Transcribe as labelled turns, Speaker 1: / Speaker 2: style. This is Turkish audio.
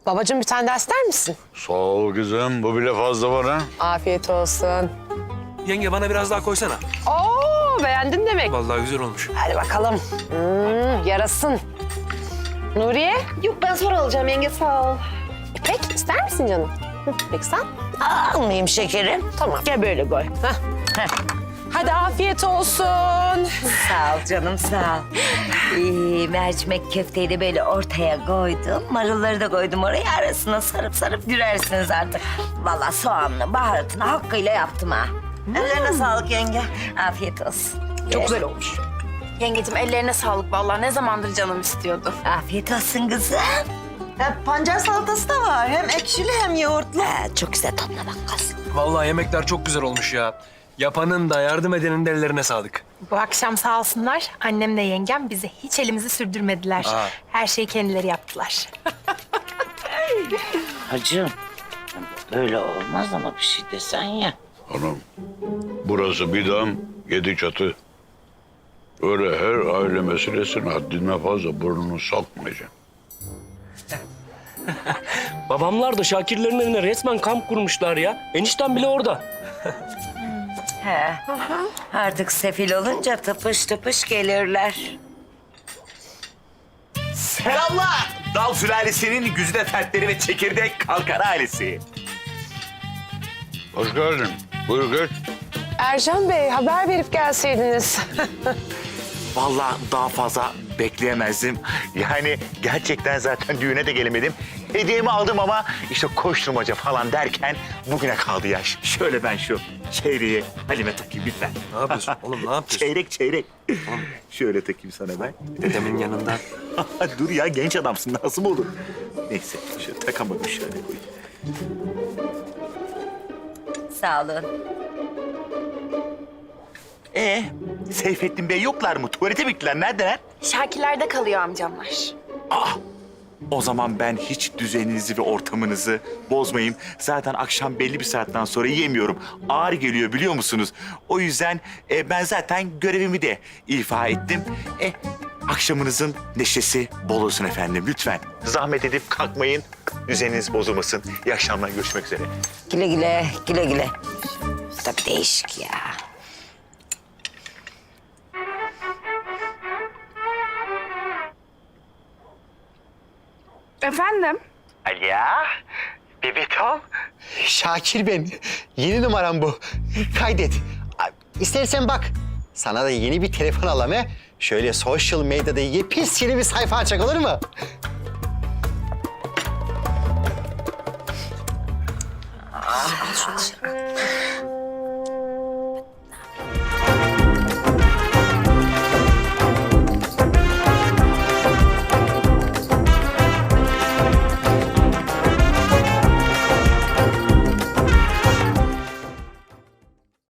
Speaker 1: Babacığım bir tane daha ister misin?
Speaker 2: Sağ ol kızım. Bu bile fazla var ha.
Speaker 1: Afiyet olsun.
Speaker 3: Yenge bana biraz daha koysana.
Speaker 1: Oo, beğendin demek.
Speaker 3: Vallahi güzel olmuş.
Speaker 1: Hadi bakalım. Yarasın. Nuriye?
Speaker 4: Yok ben sonra alacağım yenge sağ ol.
Speaker 1: İpek ister misin canım? Peki sen?
Speaker 5: Almayayım şekerim.
Speaker 1: Tamam.
Speaker 5: Gel böyle koy.
Speaker 1: Hadi afiyet olsun.
Speaker 5: Sağ ol canım sağ ol. Mercimek köfteyi de böyle ortaya koydum. Marulları da koydum oraya, arasına sarıp sarıp gürersiniz artık. Vallahi soğanlı baharatını hakkıyla yaptım ha. Ellerine sağlık yenge. Afiyet olsun.
Speaker 4: Çok güzel olmuş. Yengeciğim ellerine sağlık vallahi ne zamandır canım istiyordu.
Speaker 5: Afiyet olsun kızım.
Speaker 6: Pancar salatası da var. Hem ekşili hem yoğurtlu.
Speaker 5: Çok güzel tadına bak kız.
Speaker 3: Vallahi yemekler çok güzel olmuş ya. Yapanın da yardım edenin de ellerine sağlık.
Speaker 4: Bu akşam sağ olsunlar annemle yengem bize hiç elimizi sürdürmediler.
Speaker 3: Aa.
Speaker 4: Her şeyi kendileri yaptılar.
Speaker 5: Hacım, böyle olmaz ama bir şey desen ya.
Speaker 2: Hanım, burası bir dam, 7 çatı. Öyle her aile meselesine haddine fazla burnunu sokmayacaksın.
Speaker 7: Babamlar da Şakirlerin evine resmen kamp kurmuşlar ya. Eniştem bile orada.
Speaker 5: He. Artık sefil olunca tıpış tıpış gelirler.
Speaker 8: Selamlar. Dal sülalesinin güzide fertleri ve çekirdek kalkar ailesi.
Speaker 2: Hoş geldin. Buyur geç.
Speaker 1: Ercan Bey haber verip gelseydiniz.
Speaker 8: Vallahi daha fazla bekleyemezdim. Yani gerçekten zaten düğüne de gelemedim. Hediyemi aldım ama işte koşturmaca falan derken bugüne kaldı yaş. Şöyle ben şu çeyreği Halime takayım lütfen.
Speaker 3: Ne yapıyorsun oğlum, ne yapıyorsun?
Speaker 8: Çeyrek. Şöyle takayım sana ben.
Speaker 3: Dedemin yanında.
Speaker 8: Dur ya genç adamsın nasıl mı olur? Neyse şöyle takamadım şöyle koyayım.
Speaker 5: Sağ olun.
Speaker 8: Seyfettin Bey yoklar mı? Tuvalete mi gittiler? Neredeler?
Speaker 4: Şakirlerde kalıyor amcamlar.
Speaker 8: O zaman ben hiç düzeninizi ve ortamınızı bozmayayım. Zaten akşam belli bir saatten sonra yiyemiyorum. Ağır geliyor biliyor musunuz? O yüzden ben zaten görevimi de ifa ettim. Akşamınızın neşesi bol olsun efendim lütfen. Zahmet edip kalkmayın. Düzeniniz bozulmasın. İyi akşamlar, görüşmek üzere.
Speaker 5: Güle güle, güle güle. Tabii değişik ya.
Speaker 4: Efendim?
Speaker 8: Alo, bebetom.
Speaker 9: Şakir ben. Yeni numaram bu. Kaydet. İstersen bak. Sana da yeni bir telefon alalım he. Şöyle social medyada yepyeni bir sayfa açacak olur mu?